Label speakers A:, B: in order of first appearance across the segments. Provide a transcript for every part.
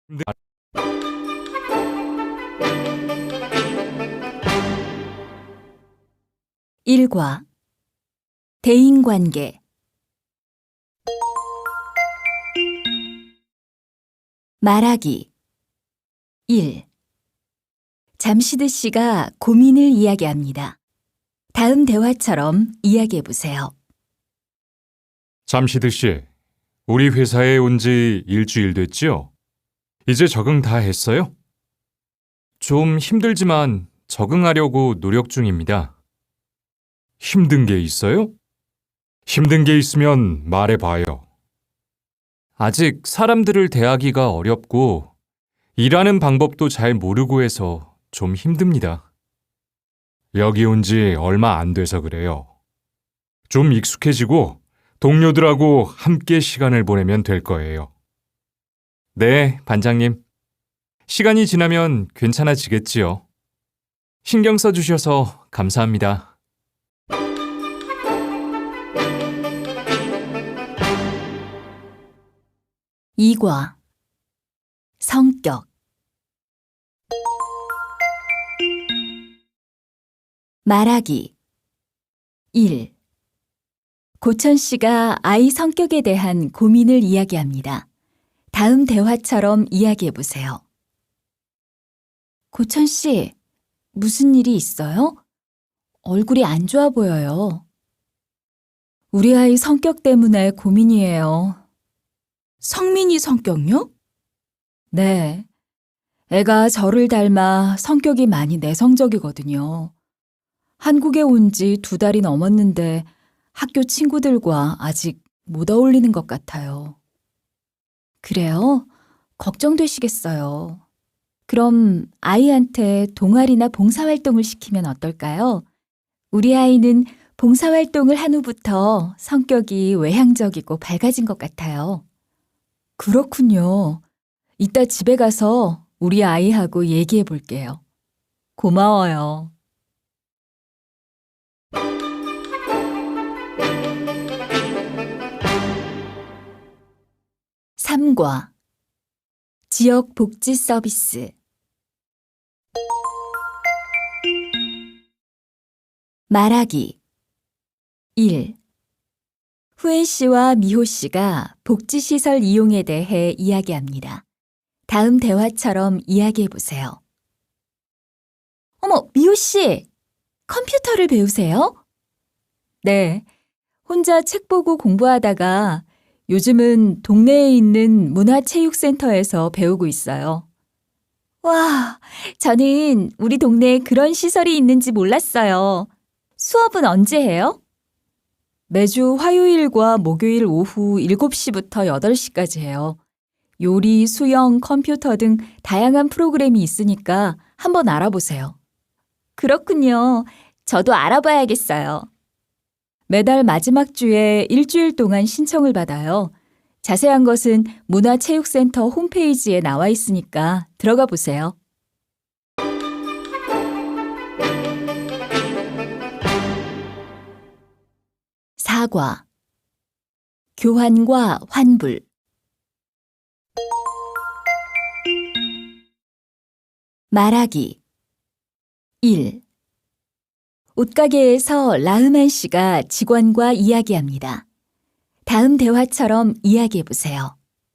A: 네.
B: 1과 대인관계 말하기 1. 잠시드 씨가 고민을 이야기합니다. 다음 대화처럼 이야기해 보세요.
A: 잠시드 씨, 우리 회사에 온 지 일주일 됐지요? 이제 적응 다 했어요? 좀 힘들지만 적응하려고 노력 중입니다. 힘든 게 있어요? 힘든 게 있으면 말해봐요. 아직 사람들을 대하기가 어렵고 일하는 방법도 잘 모르고 해서 좀 힘듭니다. 여기 온 지 얼마 안 돼서 그래요. 좀 익숙해지고 동료들하고 함께 시간을 보내면 될 거예요. 네, 반장님. 시간이 지나면 괜찮아지겠지요. 신경 써주셔서 감사합니다.
B: 2과 성격 말하기 1. 고천 씨가 아이 성격에 대한 고민을 이야기합니다. 다음 대화처럼 이야기해 보세요. 고천 씨, 무슨 일이 있어요? 얼굴이 안 좋아 보여요. 우리 아이 성격 때문에 고민이에요. 성민이 성격요? 네. 애가 저를 닮아 성격이 많이 내성적이거든요. 한국에 온 지 2달이 넘었는데 학교 친구들과 아직 못 어울리는 것 같아요. 그래요? 걱정되시겠어요. 그럼 아이한테 동아리나 봉사활동을 시키면 어떨까요? 우리 아이는 봉사활동을 한 후부터 성격이 외향적이고 밝아진 것 같아요. 그렇군요. 이따 집에 가서 우리 아이하고 얘기해 볼게요. 고마워요. 3과 지역 복지 서비스 말하기 1. 후엔 씨와 미호 씨가 복지시설 이용에 대해 이야기합니다. 다음 대화처럼 이야기해 보세요. 어머, 미호 씨! 컴퓨터를 배우세요? 네. 혼자 책 보고 공부하다가 요즘은 동네에 있는 문화체육센터에서 배우고 있어요. 와, 저는 우리 동네에 그런 시설이 있는지 몰랐어요. 수업은 언제 해요? 매주 화요일과 목요일 오후 7시부터 8시까지 해요. 요리, 수영, 컴퓨터 등 다양한 프로그램이 있으니까 한번 알아보세요. 그렇군요. 저도 알아봐야겠어요. 매달 마지막 주에 일주일 동안 신청을 받아요. 자세한 것은 문화체육센터 홈페이지에 나와 있으니까 들어가 보세요. 4과 교환과 환불 말하기 1. 옷가게에서 라흐만 씨가 직원과 이야기합니다. 다음 대화처럼 이야기해 보세요.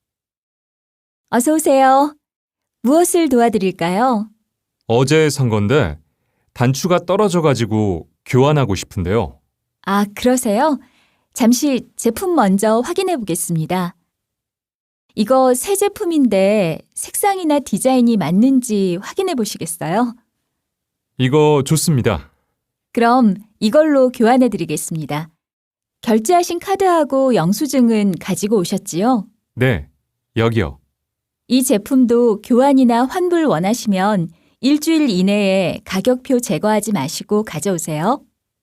B: 어서 오세요. 무엇을 도와드릴까요?
A: 어제 산 건데 단추가 떨어져가지고 교환하고 싶은데요.
B: 아, 그러세요? 잠시 제품 먼저 확인해 보겠습니다. 이거 새 제품인데 색상이나 디자인이 맞는지 확인해 보시겠어요?
A: 이거 좋습니다.
B: 그럼 이걸로 교환해 드리겠습니다. 결제하신 카드하고 영수증은 가지고 오셨지요?
A: 네, 여기요.
B: 이 제품도 교환이나 환불 원하시면 일주일 이내에 가격표 제거하지 마시고 가져오세요.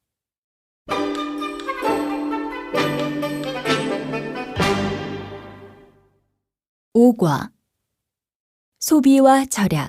B: 5과 소비와 절약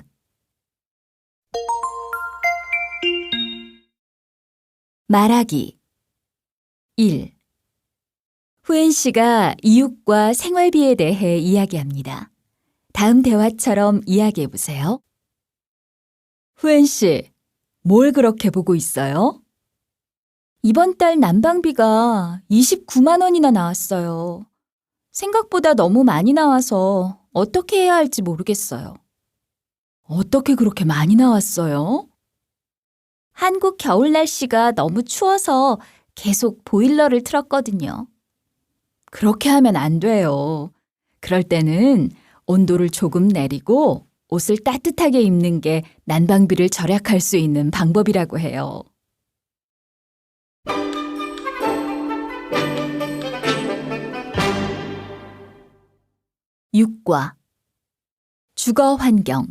B: 말하기 1. 후엔 씨가 이웃과 생활비에 대해 이야기합니다. 다음 대화처럼 이야기해 보세요. 후엔 씨, 뭘 그렇게 보고 있어요? 이번 달 난방비가 29만 원이나 나왔어요. 생각보다 너무 많이 나와서 어떻게 해야 할지 모르겠어요. 어떻게 그렇게 많이 나왔어요? 한국 겨울 날씨가 너무 추워서 계속 보일러를 틀었거든요. 그렇게 하면 안 돼요. 그럴 때는 온도를 조금 내리고 옷을 따뜻하게 입는 게 난방비를 절약할 수 있는 방법이라고 해요. 육과 주거 환경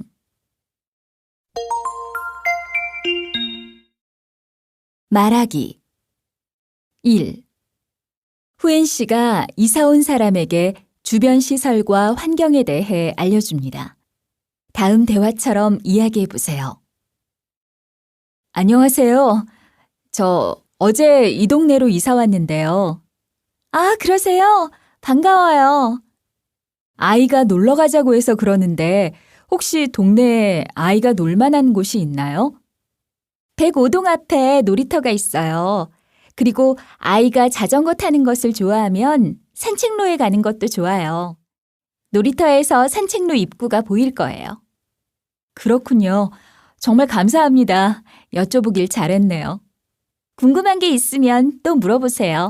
B: 말하기 1. 후엔 씨가 이사 온 사람에게 주변 시설과 환경에 대해 알려줍니다. 다음 대화처럼 이야기해 보세요. 안녕하세요. 저 어제 이 동네로 이사 왔는데요. 아, 그러세요? 반가워요. 아이가 놀러 가자고 해서 그러는데 혹시 동네에 아이가 놀 만한 곳이 있나요? 105동 앞에 놀이터가 있어요. 그리고 아이가 자전거 타는 것을 좋아하면 산책로에 가는 것도 좋아요. 놀이터에서 산책로 입구가 보일 거예요. 그렇군요. 정말 감사합니다. 여쭤보길 잘했네요. 궁금한 게 있으면 또 물어보세요.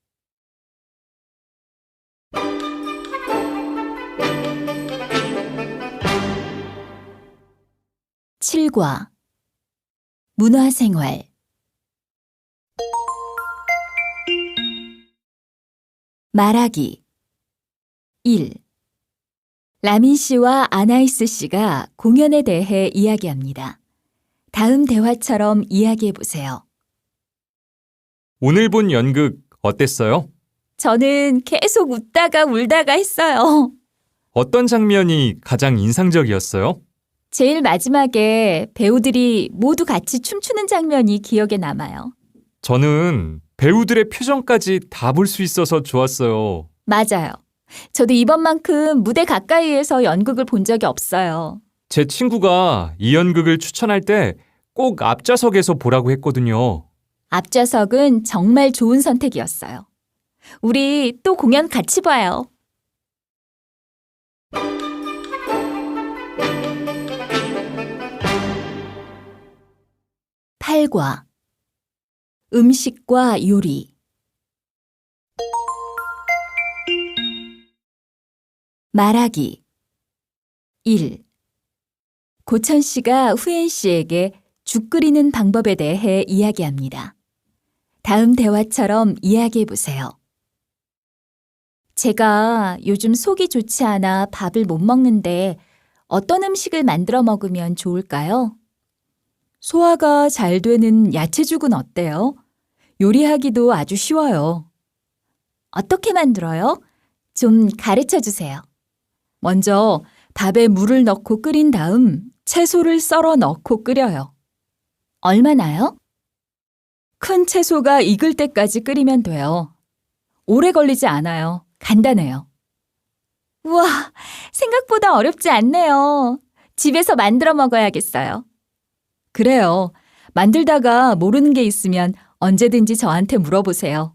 B: 7과 문화생활 말하기 1. 라민 씨와 아나이스 씨가 공연에 대해 이야기합니다. 다음 대화처럼 이야기해 보세요.
A: 오늘 본 연극 어땠어요?
B: 저는 계속 웃다가 울다가 했어요.
A: 어떤 장면이 가장 인상적이었어요?
B: 제일 마지막에 배우들이 모두 같이 춤추는 장면이 기억에 남아요.
A: 저는 배우들의 표정까지 다 볼 수 있어서 좋았어요.
B: 맞아요. 저도 이번만큼 무대 가까이에서 연극을 본 적이 없어요.
A: 제 친구가 이 연극을 추천할 때 꼭 앞좌석에서 보라고 했거든요.
B: 앞좌석은 정말 좋은 선택이었어요. 우리 또 공연 같이 봐요. 8과 음식과 요리 말하기 1. 고천 씨가 후엔 씨에게 죽 끓이는 방법에 대해 이야기합니다. 다음 대화처럼 이야기해 보세요. 제가 요즘 속이 좋지 않아 밥을 못 먹는데 어떤 음식을 만들어 먹으면 좋을까요? 소화가 잘 되는 야채죽은 어때요? 요리하기도 아주 쉬워요. 어떻게 만들어요? 좀 가르쳐 주세요. 먼저 밥에 물을 넣고 끓인 다음 채소를 썰어 넣고 끓여요. 얼마나요? 큰 채소가 익을 때까지 끓이면 돼요. 오래 걸리지 않아요. 간단해요. 우와, 생각보다 어렵지 않네요. 집에서 만들어 먹어야겠어요. 그래요. 만들다가 모르는 게 있으면 언제든지 저한테 물어보세요.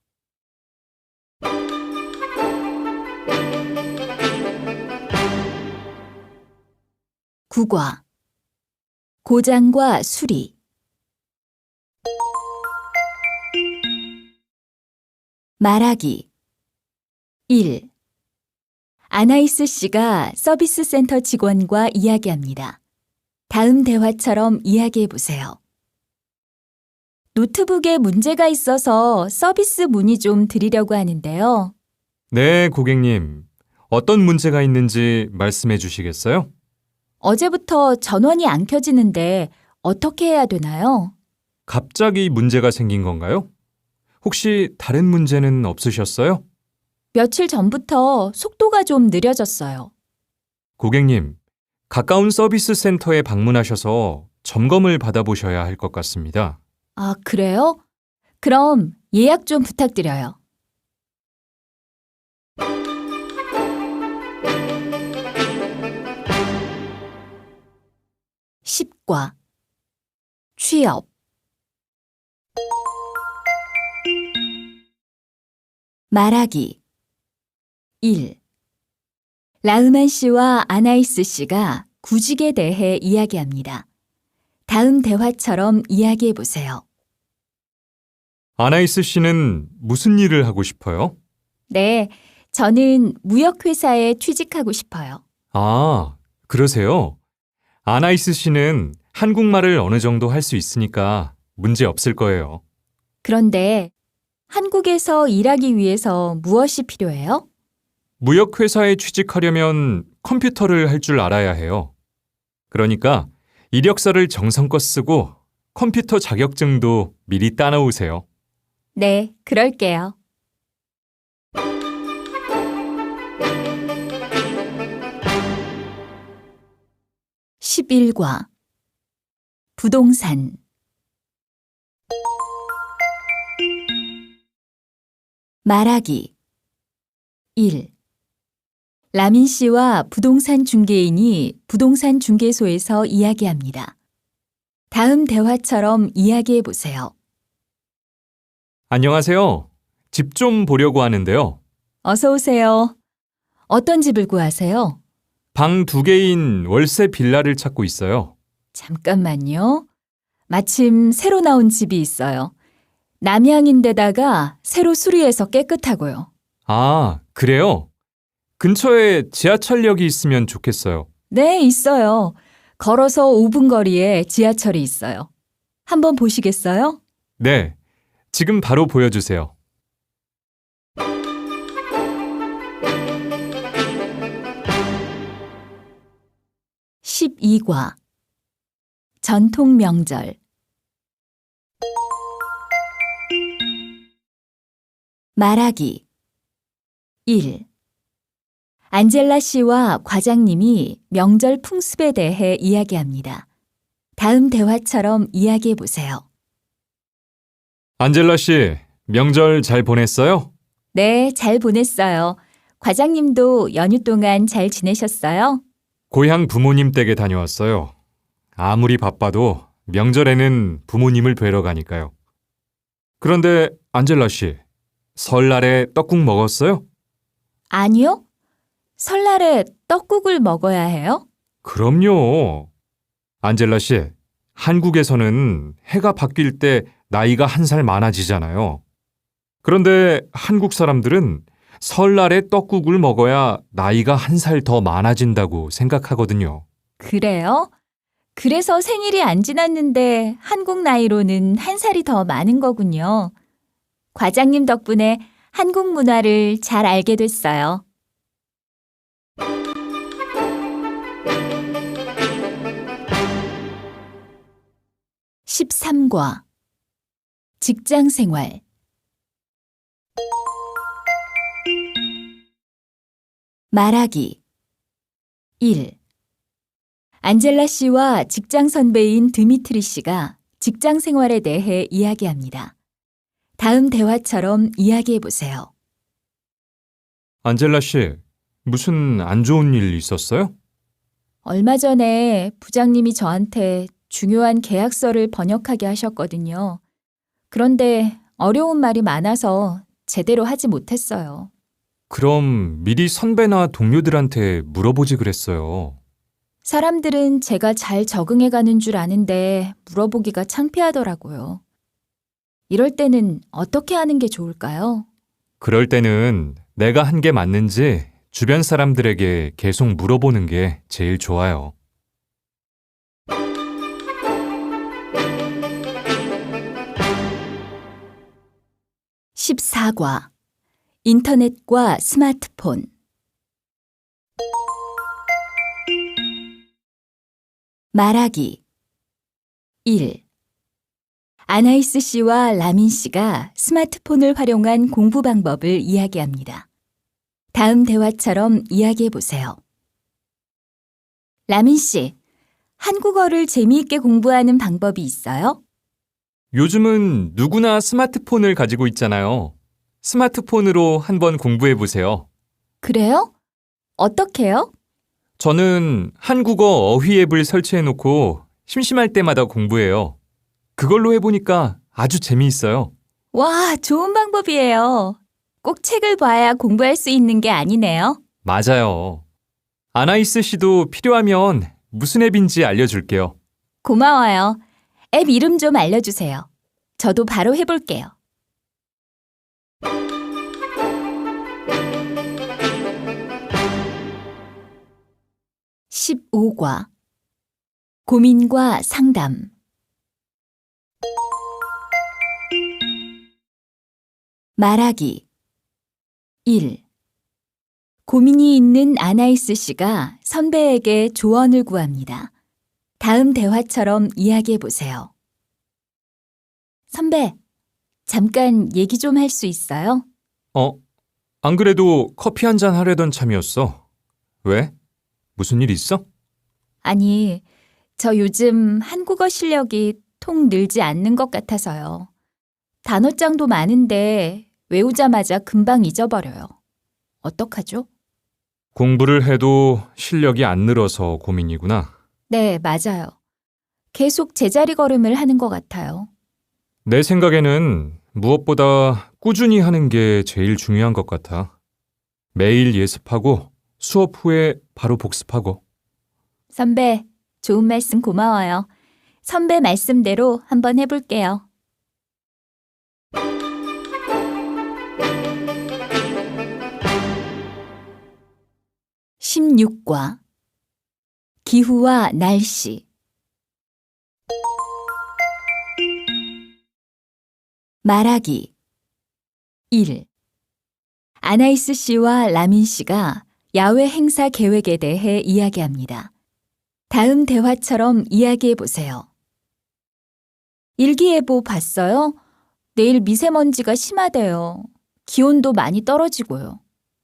B: 9과 고장과 수리 말하기 1. 아나이스 씨가 서비스 센터 직원과 이야기합니다. 다음 대화처럼 이야기해 보세요. 노트북에 문제가 있어서 서비스 문의 좀 드리려고 하는데요.
A: 네, 고객님. 어떤 문제가 있는지 말씀해 주시겠어요?
B: 어제부터 전원이 안 켜지는데 어떻게 해야 되나요?
A: 갑자기 문제가 생긴 건가요? 혹시 다른 문제는 없으셨어요?
B: 며칠 전부터 속도가 좀 느려졌어요.
A: 고객님, 가까운 서비스 센터에 방문하셔서 점검을 받아보셔야 할 것 같습니다.
B: 아, 그래요? 그럼 예약 좀 부탁드려요. 10과 취업 말하기 1. 라흐만 씨와 아나이스 씨가 구직에 대해 이야기합니다. 다음 대화처럼 이야기해 보세요.
A: 아나이스 씨는 무슨 일을 하고 싶어요?
B: 네, 저는 무역회사에 취직하고 싶어요.
A: 아, 그러세요? 아나이스 씨는 한국말을 어느 정도 할 수 있으니까 문제 없을 거예요.
B: 그런데 한국에서 일하기 위해서 무엇이 필요해요?
A: 무역회사에 취직하려면 컴퓨터를 할 줄 알아야 해요. 그러니까 이력서를 정성껏 쓰고 컴퓨터 자격증도 미리 따놓으세요.
B: 네, 그럴게요. 11과 부동산 말하기 1. 라민 씨와 부동산 중개인이 부동산 중개소에서 이야기합니다. 다음 대화처럼 이야기해 보세요.
A: 안녕하세요. 집 좀 보려고 하는데요.
B: 어서 오세요. 어떤 집을 구하세요?
A: 방 2개인 월세 빌라를 찾고 있어요.
B: 잠깐만요. 마침 새로 나온 집이 있어요. 남향인데다가 새로 수리해서 깨끗하고요.
A: 아, 그래요? 근처에 지하철역이 있으면 좋겠어요.
B: 네, 있어요. 걸어서 5분 거리에 지하철이 있어요. 한번 보시겠어요?
A: 네, 지금 바로 보여주세요.
B: 12과 전통 명절 말하기 1. 안젤라 씨와 과장님이 명절 풍습에 대해 이야기합니다. 다음 대화처럼 이야기해 보세요.
A: 안젤라 씨, 명절 잘 보냈어요?
B: 네, 잘 보냈어요. 과장님도 연휴 동안 잘 지내셨어요?
A: 고향 부모님 댁에 다녀왔어요. 아무리 바빠도 명절에는 부모님을 뵈러 가니까요. 그런데 안젤라 씨, 설날에 떡국 먹었어요?
B: 아니요. 설날에 떡국을 먹어야 해요?
A: 그럼요. 안젤라 씨, 한국에서는 해가 바뀔 때 나이가 1살 많아지잖아요. 그런데 한국 사람들은 설날에 떡국을 먹어야 나이가 1살 더 많아진다고 생각하거든요.
B: 그래요? 그래서 생일이 안 지났는데 한국 나이로는 1살이 더 많은 거군요. 과장님 덕분에 한국 문화를 잘 알게 됐어요. 13과 직장 생활 말하기 1. 안젤라 씨와 직장 선배인 드미트리 씨가 직장 생활에 대해 이야기합니다. 다음 대화처럼 이야기해 보세요.
A: 안젤라 씨, 무슨 안 좋은 일 있었어요?
B: 얼마 전에 부장님이 저한테 중요한 계약서를 번역하게 하셨거든요. 그런데 어려운 말이 많아서 제대로 하지 못했어요.
A: 그럼 미리 선배나 동료들한테 물어보지 그랬어요.
B: 사람들은 제가 잘 적응해 가는 줄 아는데 물어보기가 창피하더라고요. 이럴 때는 어떻게 하는 게 좋을까요?
A: 그럴 때는 내가 한 게 맞는지 주변 사람들에게 계속 물어보는 게 제일 좋아요.
B: 14과 인터넷과 스마트폰 말하기 1. 아나이스 씨와 라민 씨가 스마트폰을 활용한 공부 방법을 이야기합니다. 다음 대화처럼 이야기해 보세요. 라민 씨, 한국어를 재미있게 공부하는 방법이 있어요?
A: 요즘은 누구나 스마트폰을 가지고 있잖아요. 스마트폰으로 한번 공부해 보세요.
B: 그래요? 어떻게요?
A: 저는 한국어 어휘 앱을 설치해 놓고 심심할 때마다 공부해요. 그걸로 해보니까 아주 재미있어요.
B: 와, 좋은 방법이에요. 꼭 책을 봐야 공부할 수 있는 게 아니네요.
A: 맞아요. 아나이스 씨도 필요하면 무슨 앱인지 알려줄게요.
B: 고마워요. 앱 이름 좀 알려주세요. 저도 바로 해볼게요. (15과) 고민과 상담. 말하기. 1. 고민이 있는 아나이스 씨가 선배에게 조언을 구합니다. 다음 대화처럼 이야기해 보세요. 선배, 잠깐 얘기 좀 할 수 있어요?
A: 안 그래도 커피 한 잔 하려던 참이었어. 왜? 무슨 일 있어?
B: 아니, 저 요즘 한국어 실력이 통 늘지 않는 것 같아서요. 단어장도 많은데 외우자마자 금방 잊어버려요. 어떡하죠?
A: 공부를 해도 실력이 안 늘어서 고민이구나.
B: 네, 맞아요. 계속 제자리 걸음을 하는 것 같아요.
A: 내 생각에는 무엇보다 꾸준히 하는 게 제일 중요한 것 같아. 매일 예습하고 수업 후에 바로 복습하고.
B: 선배, 좋은 말씀 고마워요. 선배 말씀대로 한번 해볼게요. (16과) 기후와 날씨. 말하기. 1. 아나이스 씨와 라민 씨가 야외 행사 계획에 대해 이야기합니다. 다음 대화처럼 이야기해 보세요. 일기예보 봤어요? 내일 미세먼지가 심하대요. 기온도 많이 떨어지고요.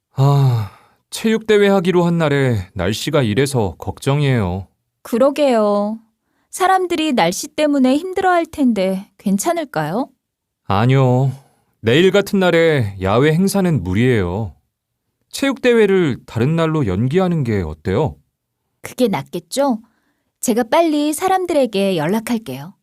A: 체육대회 하기로 한 날에 날씨가 이래서 걱정이에요.
B: 그러게요. 사람들이 날씨 때문에 힘들어할 텐데 괜찮을까요?
A: 아니요. 내일 같은 날에 야외 행사는 무리예요. 체육대회를 다른 날로 연기하는 게 어때요?
B: 그게 낫겠죠? 제가 빨리 사람들에게 연락할게요.